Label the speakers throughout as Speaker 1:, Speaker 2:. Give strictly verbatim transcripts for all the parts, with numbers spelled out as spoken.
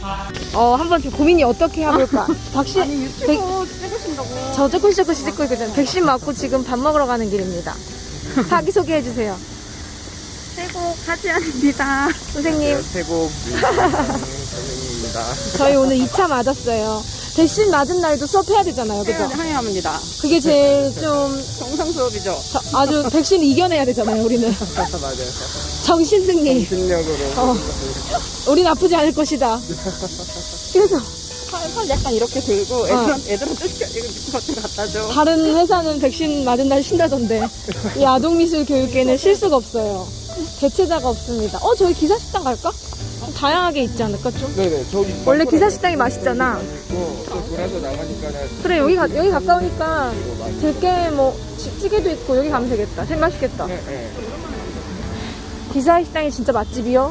Speaker 1: 어, 한번 좀 고민이 어떻게 해볼까? 박씨,
Speaker 2: 아니 유튜브 찍으신다고.
Speaker 1: 저 조금씩 조금씩 찍고 있거든. 백신 맞고 지금 밥 먹으러 가는 길입니다. 자기소개해주세요.
Speaker 2: 최고 하지연입니다.
Speaker 1: 선생님,
Speaker 3: 태국 선생님입니다.
Speaker 1: 저희 오늘 이 차 맞았어요. 백신 맞은 날도 수업해야 되잖아요. 그죠?
Speaker 2: 항해합니다.
Speaker 1: 그게 제일 좀
Speaker 2: 정상 수업이죠.
Speaker 1: 저- 아주 백신 이겨내야 되잖아요, 우리는.
Speaker 3: 맞아요.
Speaker 1: 정신승리.
Speaker 3: 신력으로.
Speaker 1: 어, 우린 아프지 않을 것이다. 그래서
Speaker 2: 팔, 팔 약간 이렇게 들고 애들한테, 애들한테 시켜, 이거 미친 같은 거 갖다 줘.
Speaker 1: 다른 회사는 백신 맞은 날 쉰다던데 이 아동미술교육계는 쉴 수가 없어요. 대체자가 없습니다. 어, 저기 기사식당 갈까? 다양하게 있지 않을까 좀?
Speaker 3: 네네, 저기.
Speaker 1: 원래 기사식당이 맛있잖아.
Speaker 3: 있고, 또 돌아서 나가니까는.
Speaker 1: 그래, 여기, 가, 여기 가까우니까 들깨 뭐 찌- 찌개도 있고 여기 가면 되겠다. 제일 맛있겠다.
Speaker 3: 네, 네.
Speaker 1: 기사식당이 진짜 맛집이요?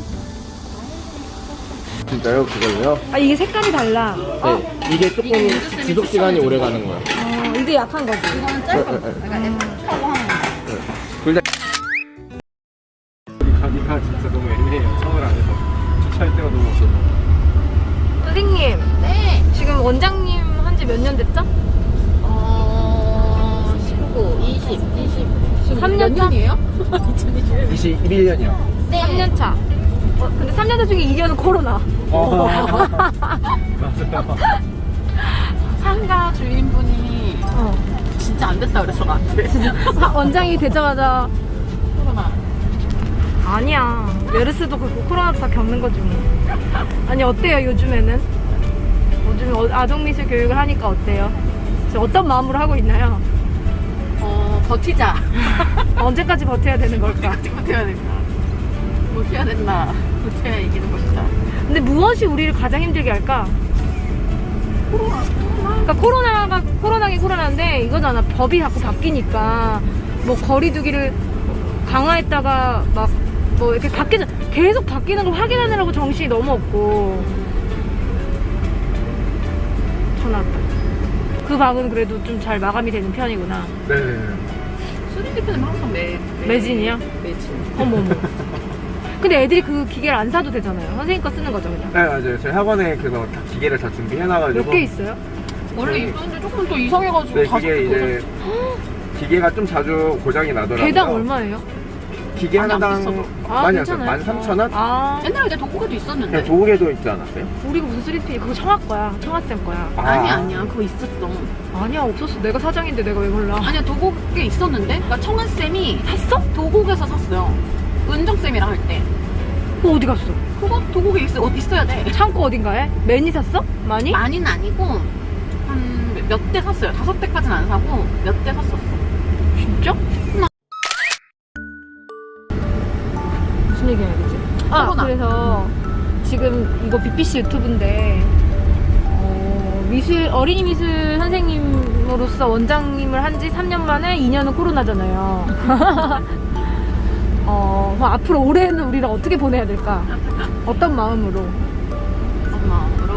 Speaker 3: 진짜요? 그걸로요?
Speaker 1: 아, 이게 색깔이 달라. 어?
Speaker 3: 네. 이게 조금 지속 시간이 오래 가는 거예요.
Speaker 1: 어, 이게 약한 거지.
Speaker 2: 이거는 짧은 거.
Speaker 3: 네, 네,
Speaker 2: 약간 F라고 하는 거.
Speaker 3: 둘 다. 여기 가기가 진짜 너무 애매해요. 서울 안에서. 주차할 데가 너무 없어서.
Speaker 1: 선생님,
Speaker 2: 네.
Speaker 1: 지금 원장님 한 지 몇 년 됐죠?
Speaker 2: 어, 십구, 이십, 이십. 지금
Speaker 1: 삼
Speaker 2: 몇
Speaker 1: 년 차?
Speaker 2: 년이에요?
Speaker 3: 이십일 년이요.
Speaker 2: 네.
Speaker 1: 삼 년 차. 어, 근데 삼 년 차 중에 이 년은 코로나.
Speaker 3: 어. 맞아요.
Speaker 2: 상가 주인분이
Speaker 1: 어.
Speaker 2: 진짜 안 됐다 그랬어, 나한테.
Speaker 1: 아, 원장이 되자마자
Speaker 2: 코로나.
Speaker 1: 아니야. 메르스도 그렇고 코로나도 다 겪는 거지 뭐. 아니, 어때요 요즘에는? 요즘에 어- 아동미술 교육을 하니까 어때요? 지금 어떤 마음으로 하고 있나요?
Speaker 2: 어, 버티자.
Speaker 1: 언제까지 버텨야 되는 걸까?
Speaker 2: 어떻게 버텨야 될까? 버텨야 된다. 버텨야 이기는 것이다.
Speaker 1: 근데 무엇이 우리를 가장 힘들게 할까?
Speaker 2: 코로나.
Speaker 1: 그러니까 코로나가 코로나긴 코로나인데 이거잖아. 법이 자꾸 바뀌니까 뭐 거리두기를 강화했다가 막 뭐 이렇게 바뀌자 계속 바뀌는 걸 확인하느라고 정신이 너무 없고. 전화 왔다. 그 방은 그래도 좀 잘 마감이 되는 편이구나.
Speaker 3: 네네네.
Speaker 2: 수리기표는 항상 매, 매
Speaker 1: 매진이요?
Speaker 2: 매진.
Speaker 1: 어머머. 근데 애들이 그 기계를 안 사도 되잖아요. 선생님 거 쓰는 거죠 그냥.
Speaker 3: 네, 맞아요. 저희 학원에 그거 다 기계를 다 준비해놔가지고.
Speaker 1: 몇 개 있어요?
Speaker 2: 원래 있었는데 조금 더 이상해가지고
Speaker 3: 네,
Speaker 2: 다섯
Speaker 3: 그게
Speaker 2: 개
Speaker 3: 이제 기계가 좀 자주 고장이 나더라고요.
Speaker 1: 개당 얼마예요?
Speaker 3: 기계
Speaker 2: 많이 안
Speaker 3: 하나당
Speaker 2: 비싸도.
Speaker 3: 많이 안 써요. 만 삼천 원?
Speaker 1: 아,
Speaker 2: 옛날에 이제 독고개도 있었는데.
Speaker 3: 그냥 조개도 있지 않았어요?
Speaker 1: 우리가 무슨 쓰리피 그거 청학 거야. 청학쌤 거야.
Speaker 3: 아.
Speaker 2: 아니 아니야 그거 있었어.
Speaker 1: 아니야, 없었어. 내가 사장인데 내가 왜 몰라.
Speaker 2: 아니야 도곡에 있었는데. 그러니까 청한 쌤이 샀어? 도곡에서 샀어요. 은정 쌤이랑 할 때.
Speaker 1: 그거 어디 갔어?
Speaker 2: 그거 도곡에 있어 어, 있어야 돼.
Speaker 1: 창고 어딘가에? 매니 샀어? 많이?
Speaker 2: 많이는 아니고 한 몇 대 샀어요. 다섯 대까지는 안 사고 몇 대 샀었어.
Speaker 1: 진짜? 무슨 얘기 해야 되지? 아,
Speaker 2: 코로나.
Speaker 1: 그래서 지금 이거 비피씨 유튜브인데 어, 미술 어린이 미술 선생님으로서 원장님을 한 지 삼 년 만에 이 년은 코로나잖아요. 어, 그럼 앞으로 올해는 우리를 어떻게 보내야 될까? 어떤 마음으로?
Speaker 2: 엄마으로.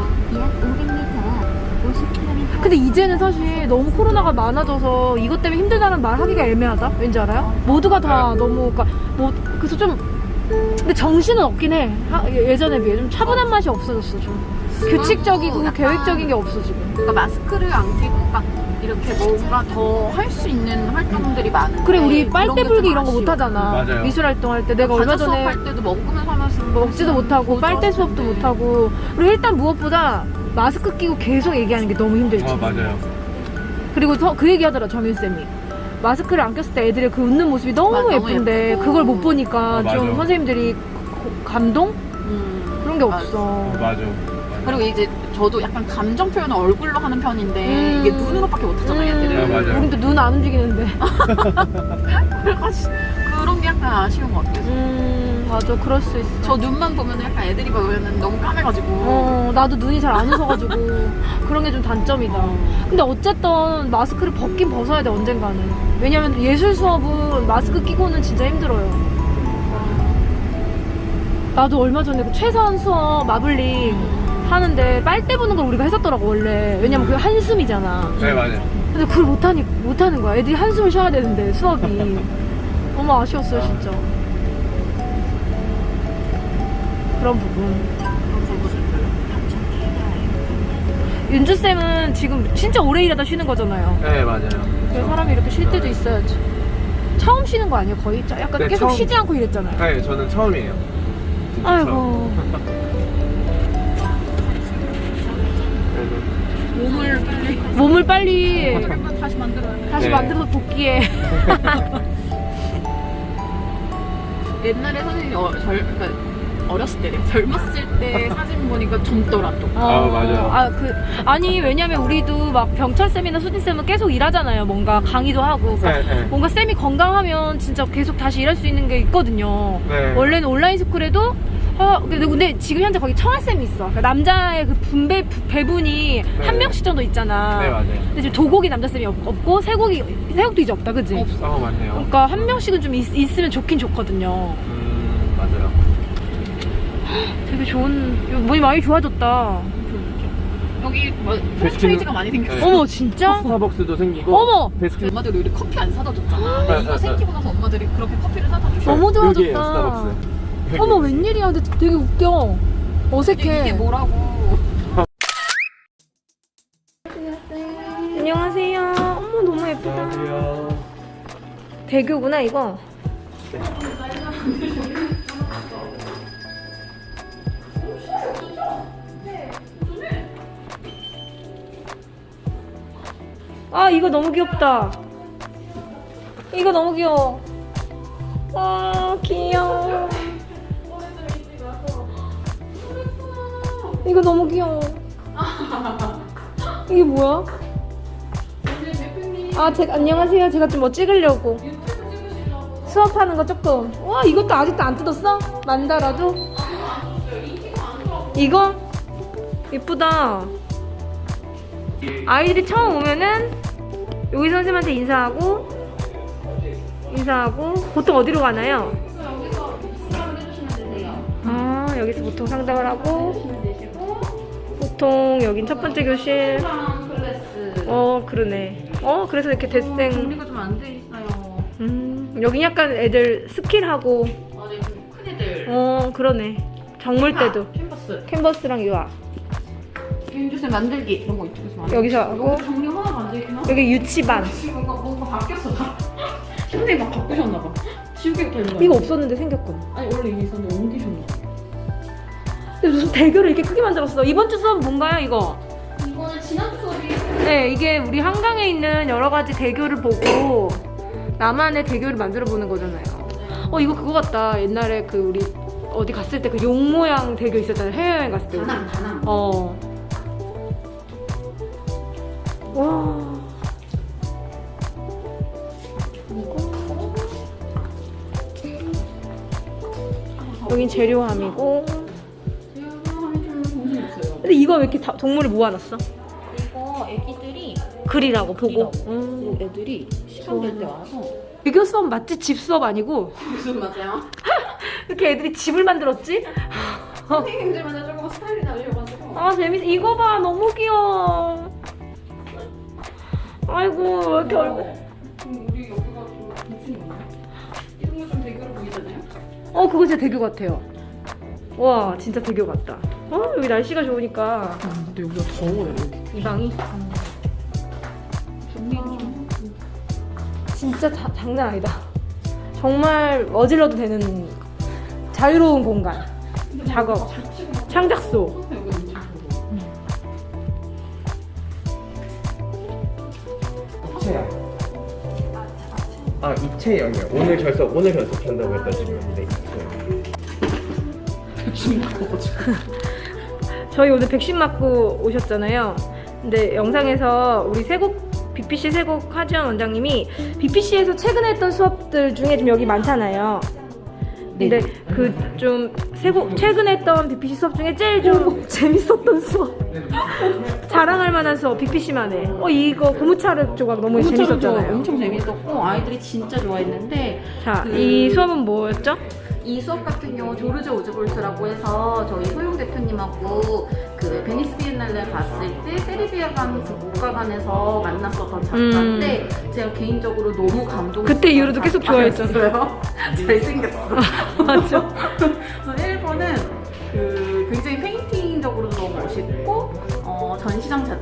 Speaker 1: 근데 이제는 사실 너무 코로나가 많아져서 이것 때문에 힘들다는 말 하기가 애매하다. 왠지 알아요? 모두가 다 너무 그러니까 뭐 그래서 좀 근데 정신은 없긴 해. 하- 예전에 비해 좀 차분한 맛이 없어졌어 좀. 규칙적이고
Speaker 2: 약간-
Speaker 1: 계획적인 게 없어 지금.
Speaker 2: 그러니까 마스크를 안 끼고 막 이렇게 뭔가 더 할 수 있는 활동들이 많은데.
Speaker 1: 그래, 우리
Speaker 2: 그런
Speaker 1: 빨대
Speaker 2: 게
Speaker 1: 불기
Speaker 2: 좀
Speaker 1: 이런 거
Speaker 2: 아쉬워.
Speaker 1: 못 하잖아.
Speaker 3: 맞아요.
Speaker 1: 미술 활동할 때 내가 얼마
Speaker 2: 과자
Speaker 1: 전에
Speaker 2: 수업할 때도 먹으면서 하면서
Speaker 1: 먹지도 못하고 빨대 수업도 못 하고 그리고 일단 무엇보다 마스크 끼고 계속 얘기하는 게 너무 힘들지.
Speaker 3: 아, 맞아요.
Speaker 1: 그리고 서- 그 얘기하더라 정윤 쌤이. 마스크를 안 꼈을 때 애들의 그 웃는 모습이 너무
Speaker 2: 맞아, 너무
Speaker 1: 예쁜데
Speaker 2: 예쁘고.
Speaker 1: 그걸 못 보니까
Speaker 3: 아, 맞아.
Speaker 1: 좀 선생님들이 고- 감동?
Speaker 2: 음,
Speaker 1: 그런 게
Speaker 2: 맞아.
Speaker 1: 없어.
Speaker 3: 어, 맞아.
Speaker 2: 그리고 이제 저도 약간 감정 표현을 얼굴로 하는 편인데
Speaker 1: 음.
Speaker 2: 이게 눈으로밖에 못하잖아요 얘들은.
Speaker 3: 아, 맞아요.
Speaker 1: 우린 또 눈 안 움직이는데.
Speaker 2: 그래가지고 그런 게 약간 아쉬운 것 같아요.
Speaker 1: 음, 맞아. 그럴 수 있어.
Speaker 2: 저 눈만 보면 약간 애들이 보면 너무 까매가지고.
Speaker 1: 어, 나도 눈이 잘 안 웃어가지고 그런 게 좀 단점이다. 근데 어쨌든 마스크를 벗긴 벗어야 돼 언젠가는. 왜냐면 예술 수업은 마스크 끼고는 진짜 힘들어요. 나도 얼마 전에 그 최선 수업 마블링 하는데 빨대 부는 걸 우리가 했었더라고 원래. 왜냐면 그게 한숨이잖아.
Speaker 3: 네, 맞아요.
Speaker 1: 근데 그걸 못하니 못하는 거야. 애들이 한숨을 쉬어야 되는데 수업이 너무 아쉬웠어요 진짜. 그런 부분. 윤주쌤은 지금 진짜 오래 일하다 쉬는 거잖아요.
Speaker 3: 네 맞아요.
Speaker 1: 그래서 사람이 이렇게 쉴 때도 있어야지. 처음 쉬는 거 아니에요? 거의? 약간
Speaker 3: 네,
Speaker 1: 계속
Speaker 3: 처음.
Speaker 1: 쉬지 않고 일했잖아요.
Speaker 3: 네 저는 처음이에요. 진짜
Speaker 1: 아이고.
Speaker 3: 처음. 그래도
Speaker 2: 몸을 빨리
Speaker 1: 몸을 빨리
Speaker 2: 한번 다시 만들어야 돼.
Speaker 1: 다시
Speaker 3: 네.
Speaker 1: 만들어서 복귀해.
Speaker 2: 옛날에 선생님이 어, 절, 그러니까 어렸을 때, 젊었을 때 사진 보니까 젊더라 또.
Speaker 3: 아, 맞아요.
Speaker 1: 아, 그, 아니, 왜냐면 우리도 막 병철쌤이나 수진쌤은 계속 일하잖아요. 뭔가 강의도 하고. 그러니까
Speaker 3: 네, 네.
Speaker 1: 뭔가 쌤이 건강하면 진짜 계속 다시 일할 수 있는 게 있거든요.
Speaker 3: 네.
Speaker 1: 원래는 온라인 스쿨에도 아, 근데, 근데 지금 현재 거기 청아쌤이 있어. 그러니까 남자의 그 분배, 부- 배분이
Speaker 3: 네.
Speaker 1: 한 명씩 정도 있잖아.
Speaker 3: 네 맞아요.
Speaker 1: 근데 지금 도곡이 남자쌤이 없, 없고, 세곡이, 세곡도 이제 없다, 그지?
Speaker 2: 없어.
Speaker 3: 어 맞네요.
Speaker 1: 그러니까 한 명씩은 좀 있, 있으면 좋긴 좋거든요.
Speaker 3: 음 맞아요.
Speaker 1: 되게 좋은, 몸이 많이 좋아졌다.
Speaker 2: 여기 뭐
Speaker 3: 베스킨은-
Speaker 2: 프랜차이즈가 많이 생겼어.
Speaker 3: 네.
Speaker 1: 어머, 진짜?
Speaker 3: 스타벅스도 생기고.
Speaker 1: 어머!
Speaker 3: 베스킨
Speaker 2: 엄마들이 우리 커피 안 사다 줬잖아.
Speaker 3: 네,
Speaker 2: 이거
Speaker 3: 네,
Speaker 2: 생기고 나서 엄마들이 그렇게 커피를 사다 주셔.
Speaker 1: 너무 좋아졌다.
Speaker 3: 여기에요 스타벅스. 여기.
Speaker 1: 어머, 웬일이야. 근데 되게 웃겨. 어색해.
Speaker 2: 이게 뭐라고?
Speaker 1: 안녕하세요. 어머, 너무 예쁘다.
Speaker 3: 안녕하세요.
Speaker 1: 대교구나, 이거. 아, 이거 너무 귀엽다. 이거 너무 귀여워. 아, 귀여워. 이거 너무 귀여워. 이게 뭐야? 아, 제가, 안녕하세요. 제가 좀 뭐 찍으려고. 수업하는 거 조금. 와, 이것도 아직도 안 뜯었어? 만다라도? 이거? 이쁘다. 아이들이 처음 오면은 여기 선생님한테 인사하고 인사하고 보통 어디로 가나요? 아, 여기서 보통 상담을 하고 보통 여긴 첫 번째 교실. 어, 그러네. 어, 그래서 이렇게 대생.
Speaker 2: 정리가 좀 안 돼 있어요.
Speaker 1: 음, 여긴 약간 애들 스킬하고.
Speaker 2: 아, 네, 좀큰 애들.
Speaker 1: 어, 그러네. 정물 때도
Speaker 2: 캔버스.
Speaker 1: 캔버스랑 유아.
Speaker 2: 윤주쌤 만들기 이런 거 이쪽에서 만들기.
Speaker 1: 여기서 하고
Speaker 2: 여기 정리 하나가 안 돼 있긴 하고.
Speaker 1: 여기 유치반.
Speaker 2: 지금 뭔가 뭔가 바뀌었어. 선생님 막 바꾸셨나 봐. 지우개부터 있는 거.
Speaker 1: 이거 없었는데 생겼군.
Speaker 2: 아니 원래 이게 있었는데 옮기셨나 봐.
Speaker 1: 근데 무슨 대교를 이렇게 크게 만들었어. 이번 주 수업 뭔가요, 이거?
Speaker 2: 이거는 지난 수업이
Speaker 1: 네, 이게 우리 한강에 있는 여러 가지 대교를 보고 나만의 대교를 만들어 보는 거잖아요. 어, 이거 그거 같다. 옛날에 그 우리 어디 갔을 때 그 용 모양 대교 있었잖아요. 해외여행 갔을 때.
Speaker 2: 다낭 다낭.
Speaker 1: 어. 와. 여긴 재료함이고. 근데 이거 왜 이렇게 다 동물을 모아놨어?
Speaker 2: 이거 애기들이
Speaker 1: 글이라고 보고.
Speaker 2: 그리라고.
Speaker 1: 음.
Speaker 2: 그리고 애들이 시간 될 때 와서
Speaker 1: 이거 수업 맞지? 집 수업 아니고?
Speaker 2: 무슨 맞아요?
Speaker 1: 이렇게 애들이 집을 만들었지?
Speaker 2: 선생님들마다 조금 스타일이 다르셔가지고.
Speaker 1: 아, 재밌어. 이거 봐. 너무 귀여워. 아이고, 왜 이렇게 얼굴.
Speaker 2: 그럼 우리 여기가 좀 무슨 있나요? 이런 거 좀 대교로 보이잖아요.
Speaker 1: 어, 그거 진짜 대교 같아요. 와, 진짜 대교 같다. 어, 여기 날씨가 좋으니까.
Speaker 2: 근데 여기가 더워요 여기.
Speaker 1: 이 방이.
Speaker 2: 정리 좀.
Speaker 1: 진짜 자, 장난 아니다. 정말 어질러도 되는 자유로운 공간. 작업. 창작소.
Speaker 2: 여기 엄청 더워.
Speaker 3: 입체형. 아 입체형이요. 오늘 결석 오늘 결석한다고 했다 지금. 네 입체형.
Speaker 1: 저희 오늘 백신 맞고 오셨잖아요. 근데 영상에서 우리 세곡 비피씨 세곡 하지원 원장님이 비피씨에서 최근에 했던 수업들 중에 좀 여기 많잖아요. 근데 그 좀 세곡 최근에 했던 비피씨 수업 중에 제일 좀 재밌었던 수업, 자랑할 만한 수업 비피씨만의. 어, 이거 고무차르 조각 너무 재밌었잖아요.
Speaker 2: 엄청 재밌었고 아이들이 진짜 좋아했는데
Speaker 1: 자,
Speaker 2: 그-
Speaker 1: 이 수업은 뭐였죠?
Speaker 2: 이 수업 같은 경우 조르조 오즈볼트라고 해서 저희 소용 대표님하고 그 베니스 비엔날레 갔을 때 세르비아관 그 국가관에서 만났었던 작가인데 제가 개인적으로 너무 감동.
Speaker 1: 그때 이후로도 계속
Speaker 2: 좋아했잖아요. 잘생겼어.
Speaker 1: 맞아.
Speaker 2: 그래서 일 번은 그 굉장히 페인팅적으로도 너무 멋있고 어, 전시장 자체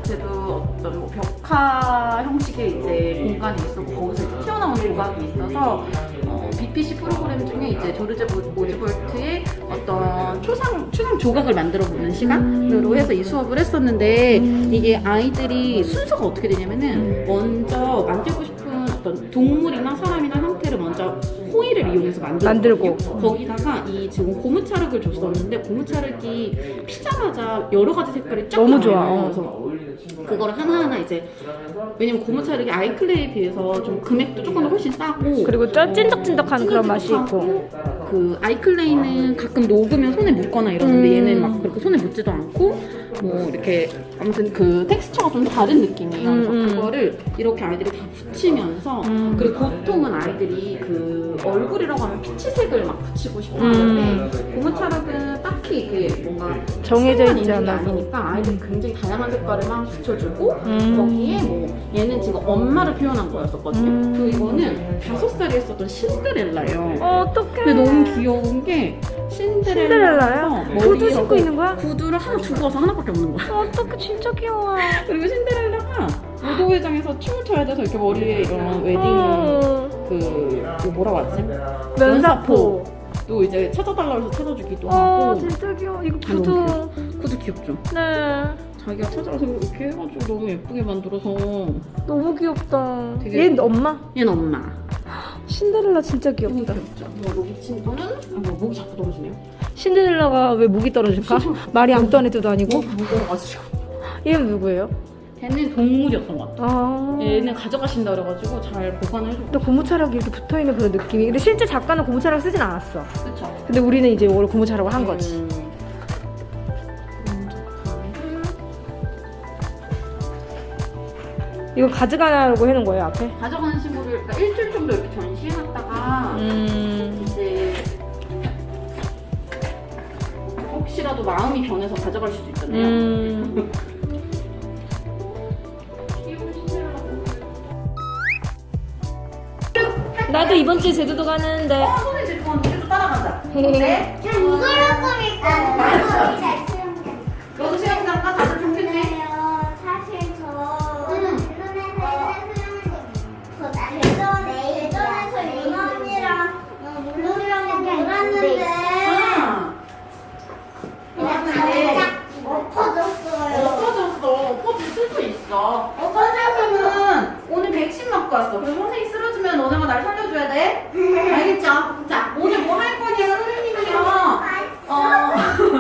Speaker 2: 자체도 어떤 뭐 벽화 형식의 이제 공간이 있었고 거기서 이제 튀어나온 조각이 있어서 어, 비피씨 프로그램 중에 이제 조르제 오즈볼트의 어떤 초상 초상 조각을 만들어 보는 시간으로 해서 이 수업을 했었는데 이게 아이들이 순서가 어떻게 되냐면은 먼저 만들고 싶은 어떤 동물이나 사람이나 형태를 먼저 호일을 이용해서 만들고,
Speaker 1: 만들고.
Speaker 2: 거기다가 이 지금 고무차륵을 줬었는데 고무차륵이 피자마자 여러 가지 색깔이 쫙
Speaker 1: 너무 좋아.
Speaker 2: 나와요.
Speaker 1: 어.
Speaker 2: 그래서 그거를 하나하나 이제 왜냐면 고무차륵이 아이클레이에 비해서 좀 금액도 조금 더 훨씬 싸고
Speaker 1: 그리고 좀 찐득찐득한 그런 맛이 있고.
Speaker 2: 그 아이클레이는 가끔 녹으면 손에 묻거나 이러는데
Speaker 1: 음.
Speaker 2: 얘는 막 그렇게 손에 묻지도 않고 뭐 이렇게 아무튼 그 텍스처가 좀 다른 느낌이에요. 그래서
Speaker 1: 음, 음.
Speaker 2: 그거를 이렇게 아이들이 다 붙이면서
Speaker 1: 음.
Speaker 2: 그리고 보통은 아이들이 그 얼굴이라고 하면 피치색을 막 붙이고 싶어
Speaker 1: 음.
Speaker 2: 하는데 고무차륵은 딱히 그게 뭔가
Speaker 1: 정해져
Speaker 2: 색만
Speaker 1: 있지
Speaker 2: 있는 게
Speaker 1: 않아서.
Speaker 2: 아니니까 아이들이 굉장히 다양한 색깔을 막 붙여주고
Speaker 1: 음.
Speaker 2: 거기에 뭐 얘는 지금 엄마를 표현한 거였었거든요.
Speaker 1: 음.
Speaker 2: 그리고 이거는 다섯 살에 했었던 신데렐라예요.
Speaker 1: 어떡해.
Speaker 2: 근데 너무 귀여운 게
Speaker 1: 신데렐라야?
Speaker 2: 신데렐라라서
Speaker 1: 구두 신고 있는 거야?
Speaker 2: 구두를 하나 두고 와서 하나밖에 없는 거야.
Speaker 1: 어떡해, 진짜 귀여워.
Speaker 2: 그리고 신데렐라가 무도회장에서 춤을 춰야 돼서 이렇게 머리에 이런 웨딩
Speaker 1: 어.
Speaker 2: 그, 그 뭐라고 하지?
Speaker 1: 면사포.
Speaker 2: 또 이제 찾아달라고 해서 찾아주기도
Speaker 1: 어,
Speaker 2: 하고.
Speaker 1: 진짜 귀여워. 이거
Speaker 2: 아, 너무
Speaker 1: 구두.
Speaker 2: 귀여워. 구두 귀엽죠?
Speaker 1: 네.
Speaker 2: 자기가 찾아와서 이렇게 해가지고 너무 예쁘게 만들어서.
Speaker 1: 너무 귀엽다.
Speaker 2: 되게-
Speaker 1: 얘 엄마?
Speaker 2: 얘는 엄마.
Speaker 1: 신데렐라 진짜
Speaker 2: 너무
Speaker 1: 귀엽다.
Speaker 2: 귀엽죠? 뭐 목이 친구는? 아, 뭐 목이 자꾸 떨어지네요.
Speaker 1: 신데렐라가 왜 목이 떨어질까? 말이 암떠한 애도 아니고.
Speaker 2: 무거워가지고.
Speaker 1: 얘는 누구예요?
Speaker 2: 걔는 동물이었던 것 같아.
Speaker 1: 아.
Speaker 2: 얘는 가져가신다 그래가지고 잘 보관을 해주고.
Speaker 1: 또 고무차락이 이렇게 붙어있는 그런 느낌이. 근데 실제 작가는 고무차락 쓰진 않았어.
Speaker 2: 그쵸?
Speaker 1: 근데 우리는 이제 원래 고무차락을 한 거지.
Speaker 2: 음.
Speaker 1: 이거 가져가라고 해놓은 거예요, 앞에?
Speaker 2: 가져가는 친구를 그러니까 일주일 정도 이렇게 전시해놨다가
Speaker 1: 음.
Speaker 2: 이제 혹시라도 마음이 변해서 가져갈 수도 있잖아요.
Speaker 1: 음. 나도 이번 주에 제주도 가는데.
Speaker 2: 어, 손에 제품 우리도 따라가자.
Speaker 1: 헤헤.
Speaker 2: 어때?
Speaker 4: 저 이걸로 꾸밀까?
Speaker 2: 맞아.
Speaker 4: 잘 수영장.
Speaker 2: 너도 수영장 가? 다들 좋겠네.
Speaker 4: 그래요. 사실 저
Speaker 2: 응.
Speaker 4: 대전에서 예전에 대전에서 윤아 언니랑 물놀이랑 놀았는데
Speaker 2: 아,
Speaker 4: 그냥
Speaker 2: 놀았는데
Speaker 4: 살짝 엎어졌어요.
Speaker 2: 엎어졌어. 엎어질 수도 있어. 어, 선생님은 오늘 백신 맞고 왔어. 그래서 선생님 쓰러지면 너네가 날 살려줘야 돼. 알겠죠? 자, 오늘 뭐 할 거냐, 선생님이요. 어.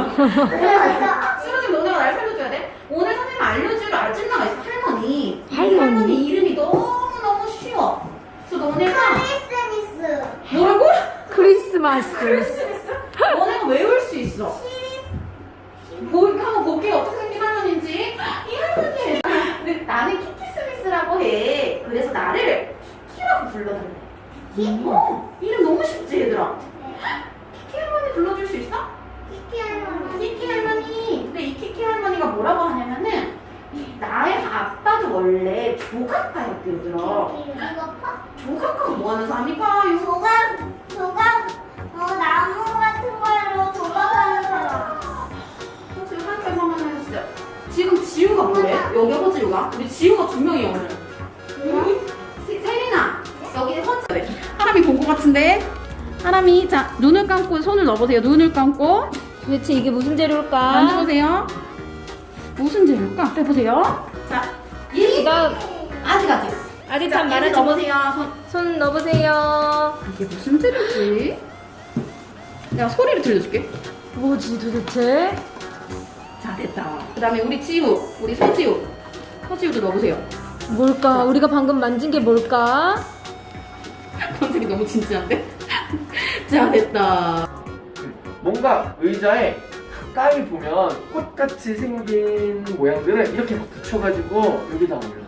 Speaker 2: 쓰러지면 너네가 날 살려줘야 돼. 오늘 선생님 알려줄 아줌마가 있어. 할머니.
Speaker 1: 할머니?
Speaker 2: 할머니 이름이 너무너무 쉬워. 그래서 너네가
Speaker 4: 크리스미스.
Speaker 2: 뭐라고?
Speaker 1: 크리스마스.
Speaker 2: 크리스마스? 너네가 외울 수 있어. 보, 한번 볼게요. 어떻게 생긴 할머니인지. 이 할머니. 근데 나는 키키스미스라고 해. 그래서 나를 키키라고 불러달래. 키키? 어. 이름 너무 쉽지, 얘들아? 키키 할머니 불러줄 수 있어?
Speaker 4: 키키 할머니.
Speaker 2: 키키 할머니. 근데 이 키키 할머니가 뭐라고 하냐면은 이 나의 아빠도 원래 조각가였대, 얘들아.
Speaker 4: 이거 파?
Speaker 2: 조각가가 뭐 하는 사람일까요?
Speaker 4: 조각 조각 어 나무 같은 걸로 조각하는 사람.
Speaker 2: 지금 한까지 한번 해주세요. 지금 지우가 뭐래? 여기 허지우가? 우리 지우가 두 명이야 오늘. 세- 세린아 여기 허지. 하람이 본 것 같은데. 하람이 자 눈을 감고 손을 넣어보세요. 눈을 감고
Speaker 1: 도대체 이게 무슨 재료일까?
Speaker 2: 만져보세요. 무슨 재료일까? 빼보세요. 자 이.
Speaker 1: 나
Speaker 2: 아직 아직.
Speaker 1: 아직
Speaker 2: 자,
Speaker 1: 참
Speaker 2: 얘를
Speaker 1: 말하지 못.
Speaker 2: 넣어보세요. 손.
Speaker 1: 손 넣어보세요.
Speaker 2: 이게 무슨 재료지? 내가 소리를 들려줄게.
Speaker 1: 뭐지 도대체?
Speaker 2: 자 됐다. 그 다음에 우리 지우, 우리 서지우, 서지우도 넣어보세요.
Speaker 1: 뭘까? 우리가 방금 만진 게 뭘까?
Speaker 2: 컨셉이 너무 진지한데? 자 됐다.
Speaker 3: 뭔가 의자에 가까이 보면 꽃같이 생긴 모양들을 이렇게 막 붙여가지고 여기다 올려.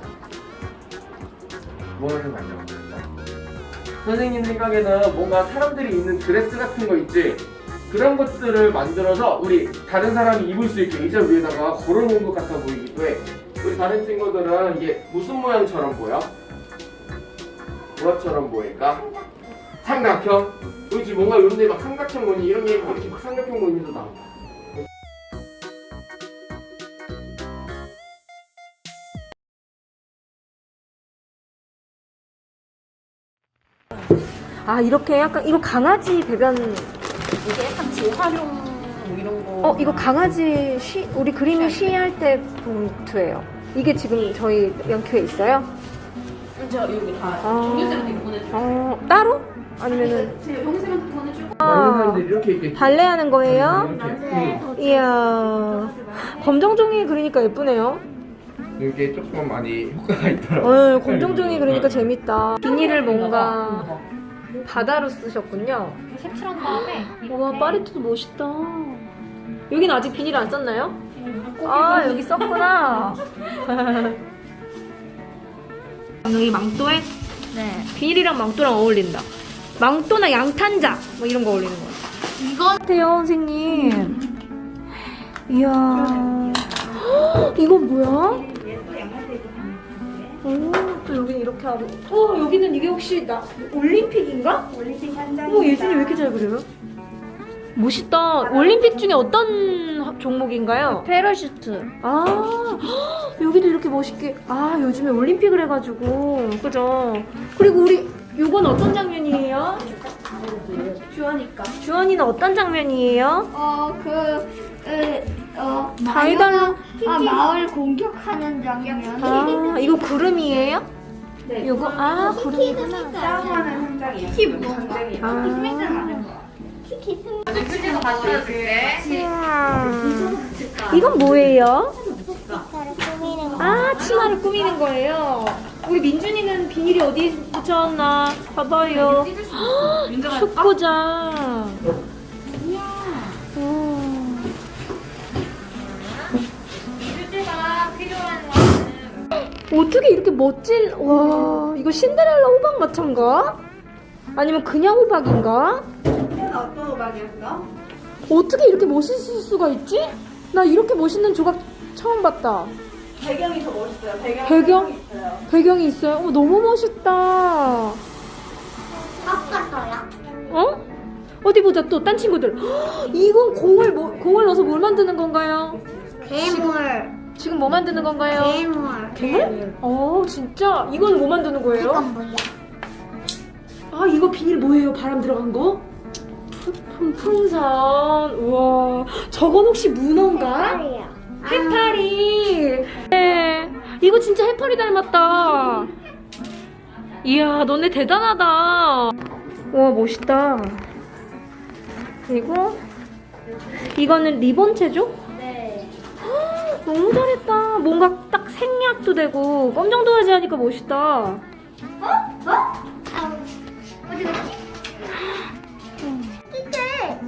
Speaker 3: 뭐를 만들었을까? 선생님 생각에는 뭔가 사람들이 입는 드레스 같은 거 있지? 그런 것들을 만들어서 우리 다른 사람이 입을 수 있게 의자 위에다가 걸어놓은 것 같아 보이기도 해. 우리 다른 친구들은 이게 무슨 모양처럼 보여? 뭐처럼 보일까? 삼각형? 그렇지, 뭔가 이런 데 막 삼각형 무늬 이런 게 막 이렇게 막 삼각형 무늬도 나온다.
Speaker 1: 아 이렇게 약간 이거 강아지 배변.
Speaker 2: 이게 약간 재활용 뭐 이런 거.
Speaker 1: 어 이거 강아지 쉬 우리 그림이 쉬할 때 봉투예요. 이게 지금 저희 영큐에 있어요?
Speaker 2: 저 여기 다
Speaker 1: 아.
Speaker 2: 종교쌤한테 보내주고.
Speaker 1: 어 따로? 아니면은
Speaker 2: 제가 영쌤한테 보내주고.
Speaker 3: 많은 사람들이 이렇게 있겠지.
Speaker 1: 발레하는 거예요?
Speaker 3: 이렇게.
Speaker 1: 이야 검정 종이 그리니까 예쁘네요.
Speaker 3: 응. 이게 조금 많이 효과가 있더라고.
Speaker 1: 어, 검정 종이 그리니까 재밌다. 비닐을 뭔가 바다로 쓰셨군요.
Speaker 2: 색칠한 다음에.
Speaker 1: 와 파리토도 멋있다. 여긴 아직 비닐 안 썼나요? 아 여기 썼구나. 여기 망토에
Speaker 2: 네.
Speaker 1: 비닐이랑 망토랑 어울린다. 망토나 양탄자 뭐 이런 거 어울리는 거 같아요.
Speaker 2: 이거
Speaker 1: 같아요 선생님. 이야. 헉, 이건 뭐야? 오, 또 여기는 이렇게 하고. 어, 여기는 이게 혹시 나 올림픽인가?
Speaker 4: 올림픽 현장.
Speaker 1: 어, 예진이 왜 이렇게 잘 그려요? 멋있다. 올림픽 중에 어떤 하- 종목인가요?
Speaker 2: 패러슈트.
Speaker 1: 아, 헉, 여기도 이렇게 멋있게. 아, 요즘에 올림픽을 해가지고. 그죠? 그리고 우리, 요건 어떤 장면이에요?
Speaker 2: 주하니까.
Speaker 1: 주원이는 어떤 장면이에요?
Speaker 4: 어, 그, 그, 어,
Speaker 1: 다이달라.
Speaker 4: 아, 마을 공격하는 장면.
Speaker 1: 아, 이거 구름이에요?
Speaker 2: 네.
Speaker 1: 요거, 아, 구름이구나.
Speaker 4: 싸움하는 현장이야. 키키 무슨 장이야?
Speaker 1: 아.
Speaker 4: 키키 승.
Speaker 2: 휴지도 가져줄게.
Speaker 1: 우와. 이건 뭐예요?
Speaker 4: 색깔을 꾸미는 거.
Speaker 1: 아, 치마를 꾸미는 거예요. 우리 민준이는 비닐이 어디에 붙여놨나? 봐봐요.
Speaker 2: 민정아.
Speaker 1: 축구장. 우와.
Speaker 2: 휴지가 필요한 거는.
Speaker 1: 어떻게 이렇게 멋진, 와, 이거 신데렐라 호박 마차인가? 아니면 그냥 호박인가?
Speaker 2: 어떤 음악이었어?
Speaker 1: 어떻게 이렇게 멋있을 수가 있지? 나 이렇게 멋있는 조각 처음 봤다.
Speaker 2: 배경이 더 멋있어요. 배경.
Speaker 1: 배경?
Speaker 2: 있어요.
Speaker 1: 배경이 있어요? 어, 너무 멋있다.
Speaker 4: 깎았어요.
Speaker 1: 어? 어디 보자 또 딴 친구들. 헉, 이건 공을 뭐, 공을 넣어서 뭘 만드는 건가요?
Speaker 4: 괴물.
Speaker 1: 지금 뭐 만드는 건가요?
Speaker 4: 괴물.
Speaker 1: 괴물? 어 진짜? 이건 뭐 만드는 거예요?
Speaker 4: 이건 뭐야?
Speaker 1: 아 이거 비닐 뭐예요? 바람 들어간 거? 품, 풍선. 우와 저건 혹시 문어인가?
Speaker 4: 말이야.
Speaker 1: 해파리. 네 이거 진짜 해파리 닮았다. 이야 너네 대단하다. 와 멋있다. 그리고 이거는 리본 체조?
Speaker 4: 네.
Speaker 1: 너무 잘했다. 뭔가 딱 생략도 되고 검정 도화지 하니까 멋있다.
Speaker 4: 어? 어? 아우. 어디 갔지? 이게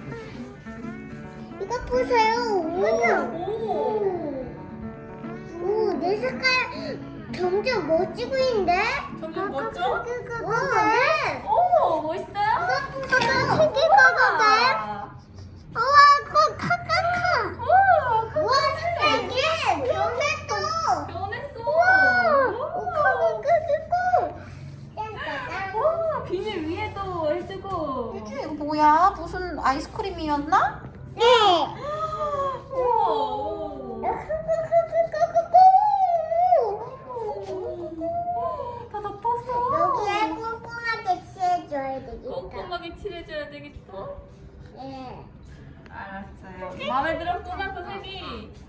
Speaker 4: 이거 보세요. 오. 오, 내 색깔 점점 멋지고 있는데?
Speaker 2: 점점 멋져?
Speaker 4: 어, 네.
Speaker 2: 오, 멋있어요?
Speaker 4: 이거 보세요. 튀길 거거든. 우와, 그거 카카카. 우와, 색깔이 변했어.
Speaker 2: 변했어.
Speaker 4: 우와, 오, 크크크크. 짠짜잔.
Speaker 2: 와, 비닐 위에도 해주고. 이게 뭐야? 무슨 아이스크림이었나?
Speaker 4: 네.
Speaker 2: 우와. 오. 다 덮었어.
Speaker 4: 여기에 꼼꼼하게 칠해줘야 되겠다.
Speaker 2: 꼼꼼하게 칠해줘야 되겠어.
Speaker 4: 네.
Speaker 2: 알았어요. 마음에 들었구나, 선생님.